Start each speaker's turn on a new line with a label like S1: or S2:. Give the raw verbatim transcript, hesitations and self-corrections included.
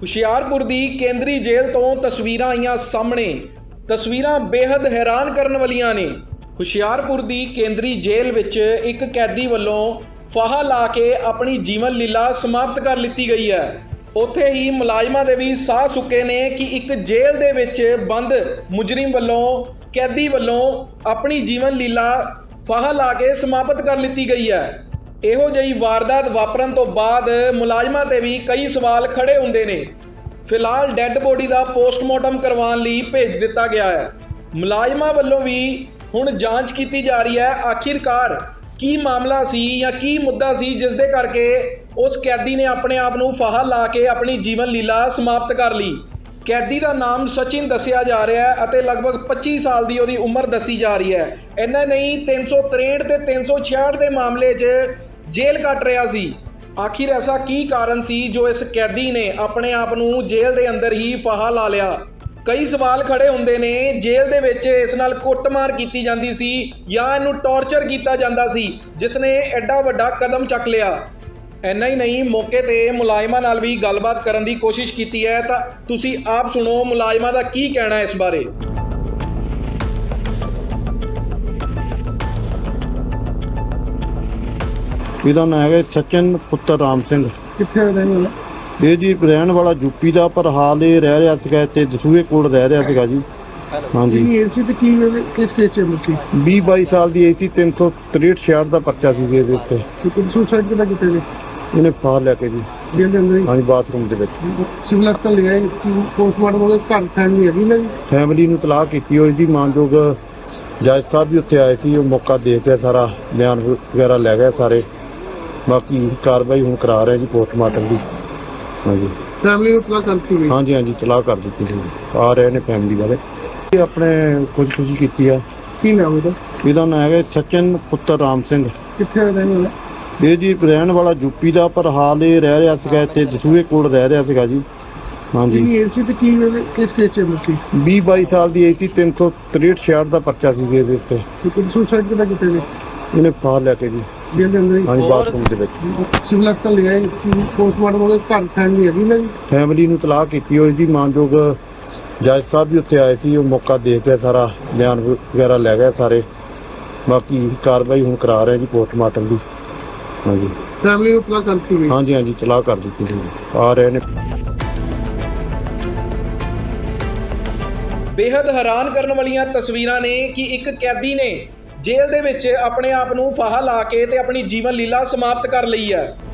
S1: ਹੁਸ਼ਿਆਰਪੁਰ ਦੀ ਕੇਂਦਰੀ ਜੇਲ੍ਹ ਤੋਂ ਤਸਵੀਰਾਂ ਆਈਆਂ ਸਾਹਮਣੇ। ਤਸਵੀਰਾਂ ਬੇहद ਹੈਰਾਨ ਕਰਨ ਵਾਲੀਆਂ ਨੇ। ਹੁਸ਼ਿਆਰਪੁਰ ਦੀ ਕੇਂਦਰੀ ਜੇਲ੍ਹ ਵਿੱਚ ਇੱਕ ਕੈਦੀ ਵੱਲੋਂ ਫਾਹਾ ਲਾ ਕੇ ਆਪਣੀ ਜੀਵਨ ਲੀਲਾ ਸਮਾਪਤ ਕਰ ਲਿੱਤੀ ਗਈ ਹੈ। ਉੱਥੇ ਹੀ ਮੁਲਾਜ਼ਮਾਂ ਦੇ ਵੀ ਸਾਹ ਸੁੱਕੇ ਨੇ ਕਿ ਇੱਕ ਜੇਲ੍ਹ ਦੇ ਵਿੱਚ ਬੰਦ ਮੁਜਰਿਮ ਵੱਲੋਂ ਕੈਦੀ ਵੱਲੋਂ ਆਪਣੀ ਜੀਵਨ ਲੀਲਾ ਫਾਹਾ ਲਾ ਕੇ ਸਮਾਪਤ ਕਰ ਲਿੱਤੀ ਗਈ ਹੈ। ਇਹੋ ਜਿਹੀ ਵਾਰਦਾਤ ਵਾਪਰਨ ਤੋਂ ਬਾਅਦ ਮੁਲਾਜ਼ਮਾਂ ਤੇ ਵੀ ਕਈ ਸਵਾਲ ਖੜੇ ਹੁੰਦੇ ਨੇ। ਫਿਲਹਾਲ ਡੈੱਡ ਬੋਡੀ ਦਾ ਪੋਸਟਮਾਰਟਮ ਕਰਵਾਉਣ ਲਈ ਭੇਜ ਦਿੱਤਾ ਗਿਆ ਹੈ। ਮੁਲਾਜ਼ਮਾਂ ਵੱਲੋਂ ਵੀ ਹੁਣ ਜਾਂਚ ਕੀਤੀ ਜਾ ਰਹੀ ਹੈ, ਆਖਿਰਕਾਰ ਕੀ ਮਾਮਲਾ ਸੀ ਜਾਂ ਕੀ ਮੁੱਦਾ ਸੀ ਜਿਸ ਦੇ ਕਰਕੇ ਉਸ ਕੈਦੀ ਨੇ ਆਪਣੇ ਆਪ ਨੂੰ ਫਾਹਾ ਲਾ ਕੇ ਆਪਣੀ ਜੀਵਨ ਲੀਲਾ ਸਮਾਪਤ ਕਰ ਲਈ। ਕੈਦੀ ਦਾ ਨਾਮ ਸਚਿਨ ਦੱਸਿਆ ਜਾ ਰਿਹਾ ਹੈ ਅਤੇ ਲਗਭਗ ਪੱਚੀ ਸਾਲ ਦੀ ਉਹਦੀ ਉਮਰ ਦੱਸੀ ਜਾ ਰਹੀ ਹੈ। ਇੰਨਾ ਨਹੀਂ, ਤਿੰਨ ਸੌ ਤਰੇਹਠ ਤੇ ਤਿੰਨ ਸੌ ਛਿਆਹਠ ਦੇ ਮਾਮਲੇ 'ਚ ਜੇਲ੍ਹ ਕੱਟ ਰਿਹਾ ਸੀ। ਆਖਿਰ ਐਸਾ ਕੀ ਕਾਰਨ ਸੀ ਜੋ ਇਸ ਕੈਦੀ ਨੇ ਆਪਣੇ ਆਪ ਨੂੰ ਜੇਲ੍ਹ ਦੇ ਅੰਦਰ ਹੀ ਫਾਹਾ ਲਾ ਲਿਆ? ਕਈ ਸਵਾਲ ਖੜੇ ਹੁੰਦੇ ਨੇ। ਜੇਲ੍ਹ ਦੇ ਵਿੱਚ ਇਸ ਨਾਲ ਕੁੱਟਮਾਰ ਕੀਤੀ ਜਾਂਦੀ ਸੀ ਜਾਂ ਇਹਨੂੰ ਟੌਰਚਰ ਕੀਤਾ ਜਾਂਦਾ ਸੀ ਜਿਸ ਨੇ ਐਡਾ ਵੱਡਾ ਕਦਮ ਚੱਕ ਲਿਆ। ਇੰਨਾ ਹੀ ਨਹੀਂ, ਮੌਕੇ ਤੇ ਮੁਲਾਜ਼ਮਾਂ ਨਾਲ ਵੀ ਗੱਲਬਾਤ ਕਰਨ ਦੀ ਕੋਸ਼ਿਸ਼ ਕੀਤੀ ਹੈ, ਤਾਂ ਤੁਸੀਂ ਆਪ ਸੁਣੋ ਮੁਲਾਜ਼ਮਾਂ ਦਾ ਕੀ ਕਹਿਣਾ ਇਸ ਬਾਰੇ।
S2: ਇਹਦਾ ਨਾਂ ਹੈਗਾ ਸਚਿਨ ਪੁੱਤਰ ਰਾਮ ਸਿੰਘ।
S3: ਕਿੱਥੇ ਰਹਿਣ ਵਾਲਾ?
S2: ਇਹ ਜੀ ਰਹਿਣ ਵਾਲਾ ਯੂਪੀ ਦਾ, ਪਰ ਹਾਲ ਇਹ ਰਹਿ ਰਿਹਾ ਸੀਗਾ ਇੱਥੇ ਦਸੂਹੇ ਕੋਲ ਰਹਿ ਰਿਹਾ ਸੀਗਾ ਜੀ। ਹਾਂਜੀ,
S3: ਕੀ ਏਜ ਸੀ ਤੇ ਕੀ ਕਿਸ ਕੇਸ 'ਚ ਮੁੱਕੀ?
S2: ਵੀਹ ਬਾਈ ਸਾਲ ਦੀ ਏਜ ਸੀ। ਤਿੰਨ ਸੌ ਤਰੇਹਠ ਛਿਆਹਠ ਦਾ ਪਰਚਾ ਸੀ ਜੀ ਇਹਦੇ ਉੱਤੇ।
S3: ਕਿਉਂਕਿ ਸੁਸਾਈਡ ਕਿੱਦਾਂ ਕੀਤਾ ਜੀ?
S2: ਇਹਨੇ ਫਾਹ ਲੈ ਕੇ ਜੀ
S3: ਜੇਲ੍ਹ ਦੇ ਅੰਦਰ ਹੀ?
S2: ਹਾਂਜੀ, ਬਾਥਰੂਮ ਦੇ ਵਿੱਚ।
S3: ਸਿਵਲ ਹਸਪਤਾਲ ਲਿਆ ਪੋਸਟਮਾਰਟਮ ਉਹਦੇ ਘਰ ਫੈਮਿਲੀ ਹੈਗੀ ਨਾ ਜੀ?
S2: ਫੈਮਿਲੀ ਨੂੰ ਤਲਾਕ ਕੀਤੀ ਹੋਈ ਜੀ। ਮਾਨਯੋਗ ਜੱਜ ਸਾਹਿਬ ਵੀ ਉੱਥੇ ਆਏ ਸੀ, ਉਹ ਮੌਕਾ ਦੇਖ ਕੇ ਸਾਰਾ ਬਿਆਨ ਵਗੈਰਾ ਲੈ ਗਏ ਸਾਰੇ। ਬਾਕੀ ਕਾਰਵਾਈ ਹੁਣ ਕਰਾ ਰਹੇ ਜੀ ਪੋਸਟਮਾਰਟਮ ਦੀ। ਹਾਂਜੀ,
S3: ਫੈਮਿਲੀ ਨੂੰ ਤਲਾਕ ਕਰਤੀ ਗਈ?
S2: ਹਾਂਜੀ ਹਾਂਜੀ, ਤਲਾਕ ਕਰ ਦਿੱਤੀ ਜੀ। ਆ ਰਹੇ ਨੇ ਫੈਮਿਲੀ ਵਾਲੇ। ਇਹ ਆਪਣੇ ਖੁਦਕੁਸ਼ੀ ਕੀਤੀ ਆ।
S3: ਕੀ ਨਾਮ ਇਹਦਾ?
S2: ਇਹਦਾ ਨਾਂ ਹੈਗਾ ਸਚਿਨ ਪੁੱਤਰ ਰਾਮ ਸਿੰਘ।
S3: ਕਿੱਥੇ ਰਹਿਣ ਵਾਲਾ?
S2: ਇਹ ਜੀ ਰਹਿਣ ਵਾਲਾ ਯੂਪੀ ਦਾ, ਪਰ ਹਾਲ ਇਹ ਰਹਿ ਰਿਹਾ ਸੀਗਾ ਇੱਥੇ ਦਸੂਹੇ ਕੋਲ ਰਹਿ ਰਿਹਾ ਸੀਗਾ ਜੀ। ਹਾਂਜੀ,
S3: ਕੀ ਏਜ ਸੀ ਤੇ ਕੀ ਕਿਸ ਕੇਸ 'ਚ ਮੁੱਕੀ?
S2: ਵੀਹ ਬਾਈ ਸਾਲ ਦੀ ਏਜ ਸੀ। ਤਿੰਨ ਸੌ ਤਰੇਹਠ ਛਿਆਹਠ ਦਾ ਪਰਚਾ ਸੀ ਇਹਦੇ ਉੱਤੇ।
S3: ਕਿਉਂਕਿ ਸੁਸਾਈਡ ਕਿੱਦਾਂ ਕੀਤਾ ਜੀ?
S2: ਇਹਨੇ ਫਾਹ ਲੈ ਕੇ ਜੀ
S3: ਜੇਲ੍ਹ ਦੇ ਅੰਦਰ ਹੀ?
S2: ਹਾਂਜੀ, ਬਾਥਰੂਮ ਦੇ ਵਿੱਚ।
S3: ਸਿਵਲ ਹਸਪਤਾਲ ਲਿਆ ਪੋਸਟਮਾਰਟਮ ਉਹਦੇ ਘਰ ਫੈਮਿਲੀ ਹੈਗੀ ਨਾ ਜੀ?
S2: ਫੈਮਿਲੀ ਨੂੰ ਤਲਾਕ ਕੀਤੀ ਹੋਈ ਜੀ। ਮਾਨਯੋਗ ਜੱਜ ਸਾਹਿਬ ਵੀ ਉੱਥੇ ਆਏ ਸੀ, ਉਹ ਮੌਕਾ ਦੇਖ ਕੇ ਸਾਰਾ ਬਿਆਨ ਵਗੈਰਾ ਲੈ ਗਏ ਸਾਰੇ। ਬਾਕੀ ਕਾਰਵਾਈ ਹੁਣ ਕਰਾ ਰਹੇ ਜੀ ਪੋਸਟਮਾਰਟਮ ਦੀ। ਹਾਂਜੀ,
S3: ਫੈਮਿਲੀ ਨੂੰ ਤਲਾਕ ਕਰਤੀ ਗਈ?
S2: ਹਾਂਜੀ ਹਾਂਜੀ, ਤਲਾਕ ਕਰ ਦਿੱਤੀ ਜੀ। ਆ ਰਹੇ ਨੇ।
S1: ਬੇहद ਹੈਰਾਨ ਕਰਨ ਵਾਲੀਆਂ ਤਸਵੀਰਾਂ ਨੇ ਕਿ ਇੱਕ ਕੈਦੀ ਨੇ ਜੇਲ੍ਹ ਦੇ ਵਿੱਚ ਆਪਣੇ ਆਪ ਨੂੰ ਫਾਹਾ ਲਾ ਕੇ ਤੇ ਆਪਣੀ ਜੀਵਨ ਲੀਲਾ ਸਮਾਪਤ ਕਰ ਲਈ ਹੈ।